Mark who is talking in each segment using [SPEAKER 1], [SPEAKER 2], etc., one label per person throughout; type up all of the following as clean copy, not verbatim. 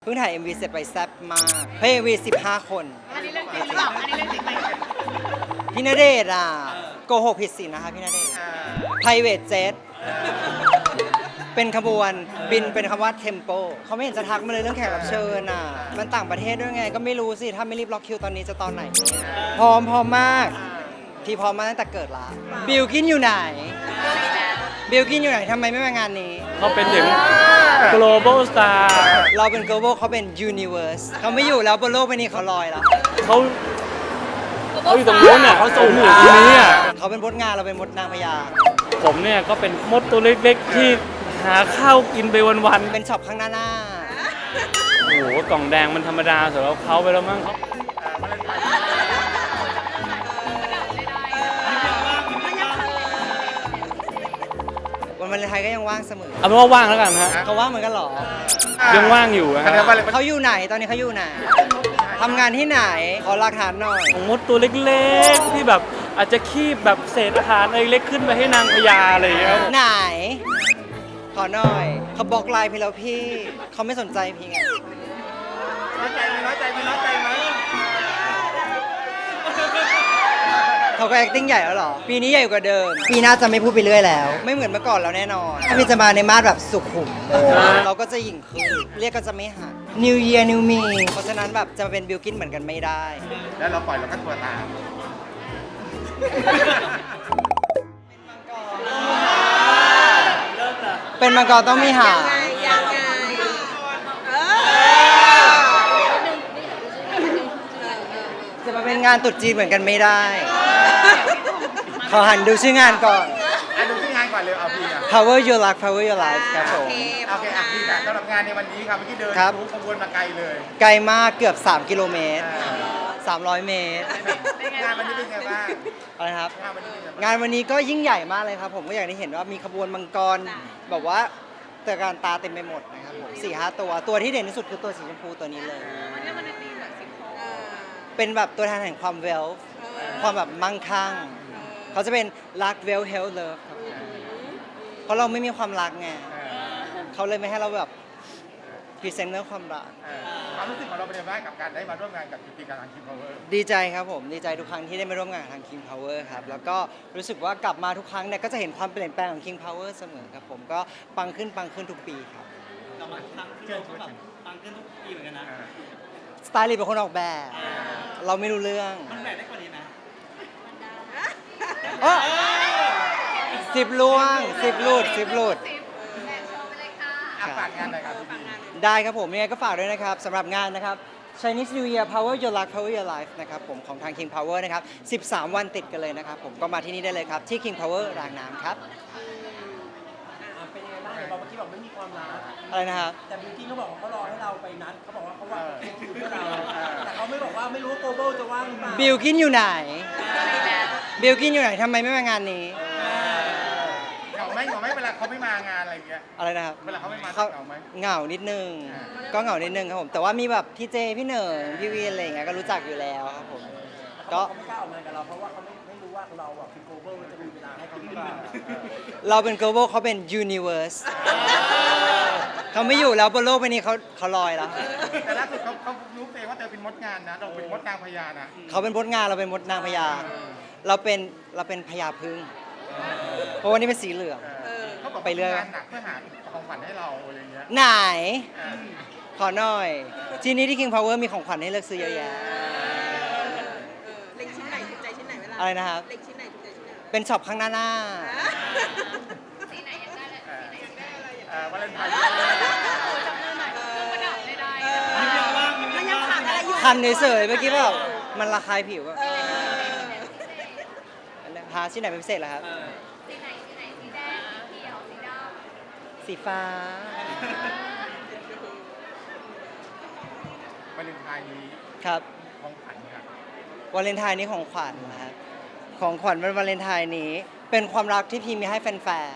[SPEAKER 1] เพิ่งถ่าย MV เสร็จไปแซ่บมากเฮ้ย MV 15 คน
[SPEAKER 2] อันนี้เรื่องจริงหรือเปล่าอันนี้เรื่องจริงไหม
[SPEAKER 1] พี่ณเดชน์โกหกผิดศีลนะคะพี่ณเดชน์ Private Jet เป็นขบวนบินเป็นคำว่า Tempo เขาไม่เห็นจะทักมาเลยเรื่องแขกรับเชิญมันต่างประเทศด้วยไงก็ไม่รู้สิ ถ้าไม่รีบล็อกคิวตอนนี้จะตอนไหน พร้อมมาก พี่พร้อมมาตั้งแต่เกิดละบิลกินอยู่ไหนบิลกินอยู่ไหนทำไมไม่มางานนี้
[SPEAKER 3] เขาเป็นถึง global star
[SPEAKER 1] เราเป็น global เขาเป็น universe เขาไม่อยู่แล้วบนโลกใบนี้เขาลอยแล้ว
[SPEAKER 3] เขาอยู่ตรงนู้นเนี่ยเขาสูงอยู่ตรงนี้อ่ะ
[SPEAKER 1] เขาเป็นมดงานเราเป็นมดนางพญา
[SPEAKER 3] ผมเนี่ยก็เป็นมดตัวเล็กๆที่หาข้าวกินไปวัน
[SPEAKER 1] เป็นช็อปข้างหน้า
[SPEAKER 3] ๆโอ้โหกล่องแดงมันธรรมดาสำหรับเขาไปแล้วมั้งเขา
[SPEAKER 1] วันวาเลนไทน์ก็ยังว่างเสมอ
[SPEAKER 3] เอาเป็นว่าว่างแล้วกันฮะ
[SPEAKER 1] เขาว่างเหมือนกันเหรอ
[SPEAKER 3] ยังว่างอยู่ฮะ
[SPEAKER 1] เขาอยู่ไหนตอนนี้เขาอยู่ไหนทำงานที่ไหนขอหลักฐานหน่อย
[SPEAKER 3] ของมดตัวเล็กๆที่แบบอาจจะคีบแบบเศษอาหารอะไรเล็กขึ้นไปให้นางพญาอะไรอย่างเงี้ยครับ
[SPEAKER 1] ไหน ขอหน่อยเขาบล็อกไลน์พี่แล้วพี่เขาไม่สนใจพี่ไง
[SPEAKER 2] น้อยใจไหมน้อยใจไหมน้อยใจไหม
[SPEAKER 1] เขาก็ acting ใหญ่แล้วเหรอ ปีนี้ใหญ่กว่าเดิม ปีหน้าจะไม่พูดไปเรื่อยแล้ว ไม่เหมือนเมื่อก่อนแล้วแน่นอน ถ้าพี่จะมาในมาสแบบสุขุม เราก็จะหยิ่งขึ้น เรียกก็จะไม่หัก New Year New Me เพราะฉะนั้นแบบจะมาเป็นบิลกินเหมือนกันไม่ได้
[SPEAKER 2] แล้วเราปล่อยเราก็ตัวตาม
[SPEAKER 1] เป็นมังกรต้องมีหาง
[SPEAKER 4] ยังไง
[SPEAKER 1] จะมาเป็นงานตรุษจีนเหมือนกันไม่ได้ ขอหันดูชื่องานก่อน
[SPEAKER 2] ดูที่งานก่อนเลยเอาพี่อ่ะ
[SPEAKER 1] Power Your Life Power Your Life ครับผม
[SPEAKER 2] โอเคอ่ะพี่ค่ะสำหรับงานในวันนี้ครับเมื่อกี้เดิน
[SPEAKER 1] ครับ
[SPEAKER 2] ขบวนมาไกลเลย
[SPEAKER 1] ไกลมากเกือบ 3 กิโลเมตร 300 เมตร
[SPEAKER 2] งานวันนี้เป็นไงบ้าง
[SPEAKER 1] อะไรครับ
[SPEAKER 2] งานวันนี้เป็นไงบ้าง
[SPEAKER 1] งานวันนี้ก็ยิ่งใหญ่มากเลยครับ ผมก็อย่างที่เห็นว่ามีขบวนมังกรแบบว่าตระการตาเต็มไปหมดนะครับผม4-5 ตัวที่เด่นที่สุดคือตัวสีชมพูตัวนี้เลย เป็นแบบตัวแทนแห่งความเวลความแบบมั่งคั่ง เขาจะเป็นรักเวลเฮลเลิฟครับเพราะเราไม่มีความรักไงเขาเลยไม่ให้เราแบบพรีเซนต์เรื่องความรัก
[SPEAKER 2] ความรู้สึกของเราเป็นยังไงบ้างกับการได้มาร่วมงานกับกิจการทางคิมพาวเวอร์
[SPEAKER 1] ดีใจครับผมดีใจทุกครั้งที่ได้มาร่วมงานกับทาง King Power ครับแล้วก็รู้สึกว่ากลับมาทุกครั้งเนี่ยก็จะเห็นความเปลี่ยนแปลงของ King Power เสมอครับผมก็ปังขึ้นทุกปีครับ
[SPEAKER 3] กลับมาครั้งที่เราก็แบบตังขึ้นทุกปีเหมือนกันนะ
[SPEAKER 1] สไตลิสต์เป็นคนออกแบบ เราไม่รู้เรื่อง
[SPEAKER 3] มันแบกได้กว่านี้ไหม
[SPEAKER 1] 10ล่วง10หลุด
[SPEAKER 2] อ่ะฝากงานหน่อยครับพี่
[SPEAKER 1] ได้ครับผมยังไงก็ฝากด้วยนะครับสำหรับงานนะครับ Chinese New Year Power Your Life Power Your Life นะครับผมของทาง King Power นะครับ13 วันติดกันเลยนะครับผมก็มาที่นี่ได้เลยครับที่ King Power รางน้ำครับ
[SPEAKER 5] เป็นยังไงบ้างเห็นบอกเมื่อกี้บอกไม่มีความรัก
[SPEAKER 1] อะไรนะครับ
[SPEAKER 5] แต่บิวกิ้นเขาบอกว่าเขารอให้เราไปนัดเขาบอกว่าเขาวางคิวเพื่อเราแต่เขาไม่บอกว่าไม่รู้ว่าโกลบอลจะว่างหรือเปล่า
[SPEAKER 1] บิลกินอยู่ไหนบิลกินอยู่ไหนทำไมไม่มางานนี้
[SPEAKER 2] เหงาไหมเวลาเขาไม่มางานอะไรอย่างเงี้ย
[SPEAKER 1] อะไรนะครับ
[SPEAKER 2] เวลาเขาไม่มา
[SPEAKER 1] เขา
[SPEAKER 2] เหงาไหม
[SPEAKER 1] เหงานิดนึง ก็เหงานิดนึงครับผมแต่ว่ามีแบบพี่เจพี่เหนิงพี่วีนอะไรอย่างเงี้ยก็รู้จักอยู่แล้วครับผม
[SPEAKER 5] ก็
[SPEAKER 1] ก็
[SPEAKER 5] เขาไม่กล้าออกงานกับเราเพราะว่าเขาไม่รู้ว่าเราอ่ะคือโกลบอลจะมีเวลาให้เขาหรือเปล่า
[SPEAKER 1] เราเป็น global เขาเป็น universe เขาไม่อยู่แล้วบนโลกใบนี้เขาลอยแล้ว
[SPEAKER 2] แต่ล่าสุดเขารู้เองว่าเธอเป็นมดงานนะเราเป็นมดนางพญานะ
[SPEAKER 1] เขาเป็นมดงานเราเป็นมดนางพญาเราเป็นพญาพึ่งเพราะวันนี้เป็นสีเหลือง
[SPEAKER 2] เขาบอก
[SPEAKER 1] ไปเรื่อย
[SPEAKER 2] งานหนักเพื่อหาของขวัญให้เราอะไรอย่างเงี้ย
[SPEAKER 1] ไหน ขอหน่อย ทีนี้ที่ King Power มีของขวัญให้เลือกซื้อเยอะแยะ
[SPEAKER 4] เล็งชิ้นไหนถูกใจชิ้นไหนเวลา
[SPEAKER 1] อะไรนะครับ
[SPEAKER 4] เล็งชิ้นไหนถูกใจชิ้นไหน
[SPEAKER 1] เป็นช็อปข้างหน้า
[SPEAKER 2] วาเลนไทน์
[SPEAKER 4] มันยังขาดอะไรอยู่
[SPEAKER 1] คันเฉยๆเมื่อกี้แบบมันระคายผิวอะหาชิ้นไหนเป็นพิเศษเหรอครับสีฟ้า
[SPEAKER 2] วาเลนไทน์นี้
[SPEAKER 1] ครับ
[SPEAKER 2] ของขวัญครับ
[SPEAKER 1] วาเลนไทน์นี้ของขวัญนะครับของขวัญวันวาเลนไทน์นี้ เป็นความรักที่พี่มีให้แฟน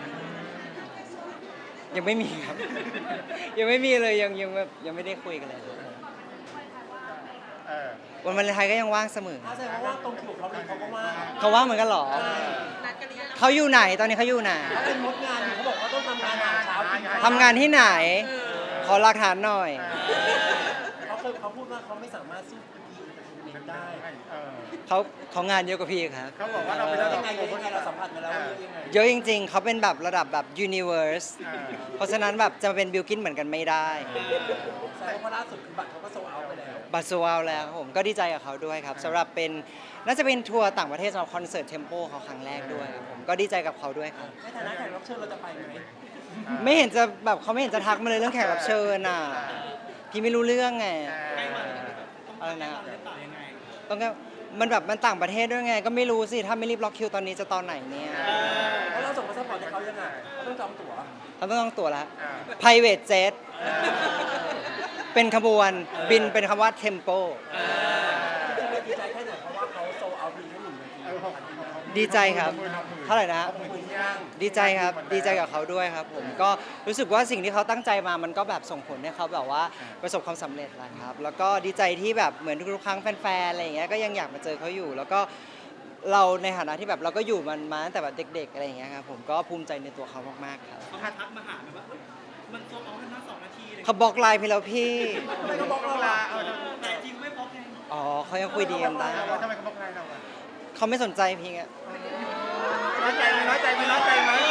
[SPEAKER 1] ๆยังไม่มีครับ ยังไม่มีเลยยังแบบยังไม่ได้คุยกันเลย
[SPEAKER 2] เออ
[SPEAKER 1] วันวาเลนไทน์ก็ยังว่างเสมอ
[SPEAKER 5] ถ้าแสดงว่าตรงคิวเขาเลยเขาก็ว่าง
[SPEAKER 1] เขาว่างเหมือนกันเหรอ
[SPEAKER 4] นัดกันหรือยัง
[SPEAKER 1] เขาอยู่ไหนตอนนี้เขาอยู่ไหน
[SPEAKER 5] เขาเป็นมดงานอยู่เขาบอกว่าต้องทำงานหาเช้ากิน
[SPEAKER 1] ทำงานที่ไหน ขขอหลักฐานหน่อย
[SPEAKER 5] เขาพูดว่าเขาไม่สามารถสู้พีเอนเตอร์เทนเมนต์ได้
[SPEAKER 2] เออ
[SPEAKER 1] เขางานเยอะกว่าพี่ครับ
[SPEAKER 2] เขาบอกว่าเราเป็นระดับ
[SPEAKER 5] ยังไงเราสัมผัสมาแล้วว่ายังไง
[SPEAKER 1] เยอะจริงๆ เขาเป็นแบบระดับแบบ universe เพราะฉะนั้นแบบจะมาเป็นบิลกินเหมือนกันไม่ได้
[SPEAKER 5] แสดงว่าล่าสุดคือบัตรเขาก็โซลเอาท์ไปแล้ว
[SPEAKER 1] บัตรโซลเอาท์แล้วครับผมก็ดีใจกับเขาด้วยครับสำหรับเป็นน่าจะเป็นทัวร์ต่างประเทศสำหรับคอนเสิร์ตเทมโปเขาครั้งแรกด้วยครับผมก็ดีใจกับเขาด้วยครับ
[SPEAKER 5] ในฐานะแขกรับเชิญเราจะไปไหม
[SPEAKER 1] ไม่เห็นจะแบบเขาไม่เห็นจะทักมาเลยเรื่องแขกรับเชิญอ่ะพี่ไม่รู้เรื่องไงอะไรนะต้องก็มันแบบมันต่างประเทศด้วยไง ก็ไม่รู้สิถ้าไม่รีบล็อกคิวตอนนี้จะตอนไหนเนี่ย
[SPEAKER 5] แล้วเราส่งพาสปอร์ตให้เขายังไงเขาต้องจองตั๋ว
[SPEAKER 1] เขาต้องตั๋วแล้ว private jet เป็นขบวนบินเป็นคำว่า tempo
[SPEAKER 5] จริงๆดีใจแค่ไหนเพราะว่าเขาโซลเอาท์เพียงแค่1 นาที
[SPEAKER 1] ดีใจครับเท่าไหร่นะ
[SPEAKER 2] ย่าง
[SPEAKER 1] ดีใจครับดีใจกับเขาด้วยครับผมก็รู้สึกว่าสิ่งที่เขาตั้งใจมามันก็แบบส่งผลให้เขาแบบว่าประสบความสำเร็จแหละครับแล้วก็ดีใจที่แบบเหมือนทุกๆครั้งแฟนๆอะไรอย่างเงี้ยก็ยังอยากมาเจอเขาอยู่ แล้วก็เราในฐานะที่แบบเราก็อยู่มันมาตั้งแต่แบบเด็กๆอะไรอย่างเงี้ยครับผมก็ภูมิใจในตัวเขามากๆครับ
[SPEAKER 6] เขาทักมาหาแบบว่าเอ้ยมันโซลเอาท์กันนะ2 นาทีเลย
[SPEAKER 1] เขาบล็อกไลน์พี่แล้วพี่
[SPEAKER 5] ทำไมเขาบอกเราล่ะ
[SPEAKER 6] แต่จริงไม่พบไง
[SPEAKER 1] อ๋อเขายังคุยดีกันได้
[SPEAKER 2] ทำไมเขาบอกใครเราอะ
[SPEAKER 1] เขาไม่สนใจพี่ไง
[SPEAKER 2] น้อยใจไหมน้อยใจไหมน้อยใจไหม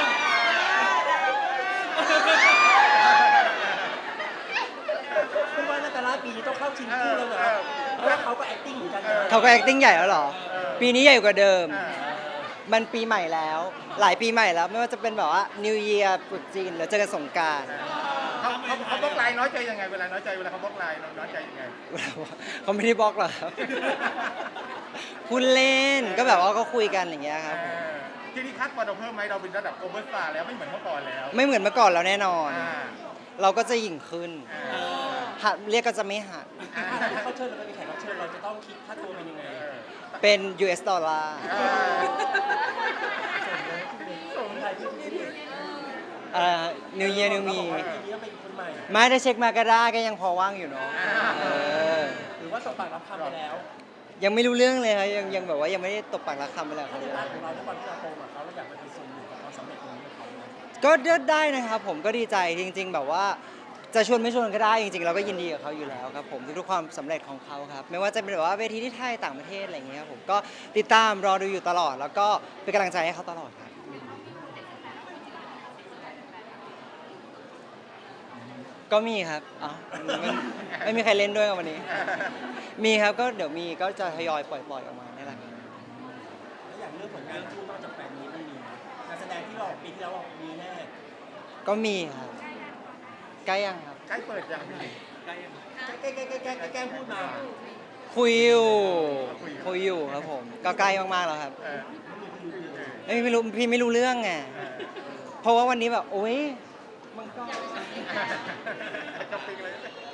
[SPEAKER 5] คุณว่านาตาลาปีนี้ต้องเข้าชิงคู่แล้วเหรอเพราะว่าเขาก็ acting เหมือนกันนะ
[SPEAKER 1] เขาก็ acting ใหญ่แล้วเหรอ ปีนี้ใหญ่กว่าเดิม มันปีใหม่แล้ว หลายปีใหม่แล้ว ไม่ว่าจะเป็นแบบว่า New Year ตรุษจีนหรือเจอกันสงกรานต์
[SPEAKER 2] เขาบล็อกไลน์น้อยใจยังไงเวลาน้อยใจเวลาเขาบล็อกไลน์เราน้อยใจยังไง
[SPEAKER 1] เขาไม่ได้บล็อกหรอกครับ พูดเล่นก็แบบว่าก็คุยกันอย่างเงี้ยครับผม
[SPEAKER 2] ที่นี่คัดพอเราเพิ่มไหมเราเป็นระดับโอเวอร์สตาร์แล้วไม่เหมือนเมื่อก่อนแล้ว
[SPEAKER 1] ไม่เหมือนเมื่อก่อนแล้วแน่นอน
[SPEAKER 2] อ่า
[SPEAKER 1] เราก็จะหยิ่งขึ้น หัดเรียกก็จะไม่หัด
[SPEAKER 5] ถ้าเขาเชิญเราไปเป็นแขกรับเชิญเราจะต้องคิดค่าตัวเป็นยังไง
[SPEAKER 1] เป็น US ดอลลาร์
[SPEAKER 5] ส่งไทยที่นี่
[SPEAKER 1] New Year New
[SPEAKER 5] เขา
[SPEAKER 1] Me
[SPEAKER 5] บอกว่าปีนี้ต้องเป็นคนใหม่
[SPEAKER 1] ไม่ได้เช็คมาก็ได้ก็ยังพอว่างอยู่เนาะเออ
[SPEAKER 5] หรือว่าสบปากรับคำไปแล้ว
[SPEAKER 1] ยังไม่รู้เรื่องเลยครับยังแบบว่ายังไม่ได้ตบปากรักคำไปเลยค
[SPEAKER 5] ถ้า
[SPEAKER 1] รับ
[SPEAKER 5] ในด้านของเราด้วยความที่เราโตมาเขาเราอยากไปเป็นส่วนหนึ่งของความสำเร็จตรงนี้ของเขาไหม
[SPEAKER 1] ก็ได้นะครับผมก็ดีใจจริง ๆ แบบว่าจะชวนไม่ชวนก็ได้จริงๆเราก็ยินดีกับเขาอยู่แล้วครับผมทุกๆความสำเร็จของเขาครับไม่ว่าจะเป็นแบบว่าเวทีที่ไทยต่างประเทศอะไรอย่างเงี้ยครับผมก็ติดตามรอดูอยู่ตลอด แล้วก็เป็นกำลังใจให้เขาตลอดครับก็มีครับอ๋อไม่มีใครเล่นด้วยวันนี้ มีครับก็เดี๋ยวมีก็จะทยอยปล่อยออกมานี่แหละครับ
[SPEAKER 5] แล้วอย่างเรื่องผลงานคู่นอกจากแฟนนี้มันมีนะงานแสดงที่เราปีที่แล้วบอกมีแน่
[SPEAKER 1] ก็มีครับใกล้ยังครับ
[SPEAKER 2] ใกล้เปิดยังพี่
[SPEAKER 5] แกล้งพูดมา
[SPEAKER 1] คุยอยู่ครับผมก็ใกล้มากๆแล้วครับ ไม่รู้พี่ไม่รู้เรื่องไงเพราะว่าวันนี้แบบโอ๊ยมันก็
[SPEAKER 2] จะปิงเลย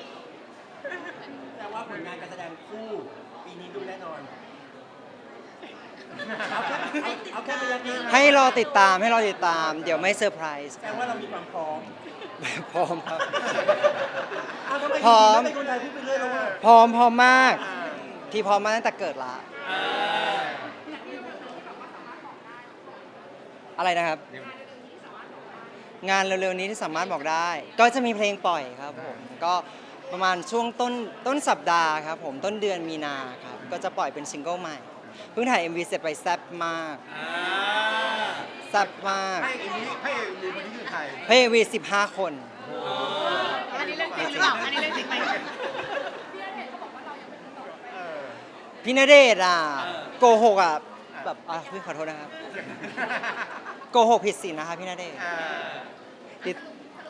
[SPEAKER 5] แต่ว่าผลงานการแสดงคู่ปีนี้ดูแน่นอนเอาแค่ระยะนี้
[SPEAKER 1] ให้รอติดตามเดี๋ยวไม่เซอร์ไพรส์
[SPEAKER 5] แสดงว่าเรามีความพร้อม
[SPEAKER 1] พร้อมครับ
[SPEAKER 5] ทำไม
[SPEAKER 1] พร้อม
[SPEAKER 5] เป็นคนไทยพูดไปเรื่อยแล้วว่า
[SPEAKER 1] พร้อมมาก ที่พร้อมมาตั้งแต่เกิดละอะไรนะครับ งานเร็วๆนี้ที่สามารถบอกได้ ก็จะมีเพลงปล่อยครับผมก็ประมาณช่วงต้นสัปดาห์ครับผมต้นเดือนมีนาครับก็จะปล่อยเป็นซิงเกิลใหม่เพิ่งถ่าย MV เสร็จไปแซ่บมากแซ่บมาก
[SPEAKER 2] ให้อีนี้ให้อีคนนี้คือใคร
[SPEAKER 1] เฮ้ย MV 15 คน
[SPEAKER 4] อันนี้เรื่องจริงหรือเปล่าอันนี้เรื่องจริงไหม
[SPEAKER 1] พี่ณเดชน์อ่ะโกหกอ่ะแบบพี่ขอโทษนะครับโกหกผิดศีลนะคะพี่ณเดชน์ติด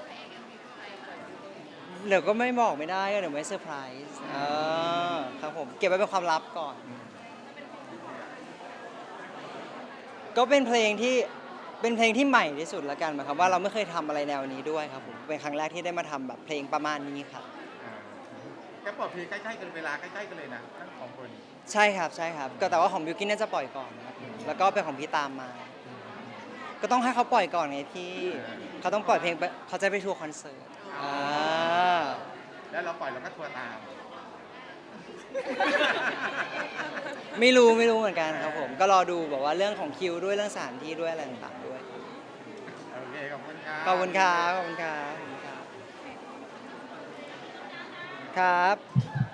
[SPEAKER 1] เดี๋ยวก็ไม่บอกไม่ได้เดี๋ยวไม่เซอร์ไพรส์ครับผมเก็บไว้เป็นความลับก่อน ก็เป็นเพลงที่ใหม่ที่สุดละกันหมายความว่าเราไม่เคยทำอะไรแนวนี้ด้วยครับผมเป็นครั้งแรกที่ได้มาทำแบบเพลงประมาณนี้ครับ
[SPEAKER 2] แกปล่อยเพลงใกล้ๆกันเวลาใกล้ๆกันเลยนะทั้งสองคน
[SPEAKER 1] ใช่ครับก็แต่ว่าของบิวกิ้นน่าจะปล่อยก่อนครับแล้วก็เป็นของพี่ตามมา ก็ต้องให้เขาปล่อยก่อนไงพี่เขาต้องปล่อยเพลงเขาจะไปทัวร์คอนเสิร์ต
[SPEAKER 2] แล้วเราปล่อยเราก็ทัวร์ตาม
[SPEAKER 1] ไม่รู้เหมือนกันครับผมก็รอดูแบบว่าเรื่องของคิวด้วยเรื่องสถานที่ด้วยอะไรต่างๆด้วย
[SPEAKER 2] โอเคขอบคุณครับ
[SPEAKER 1] ขอบคุณครับครับ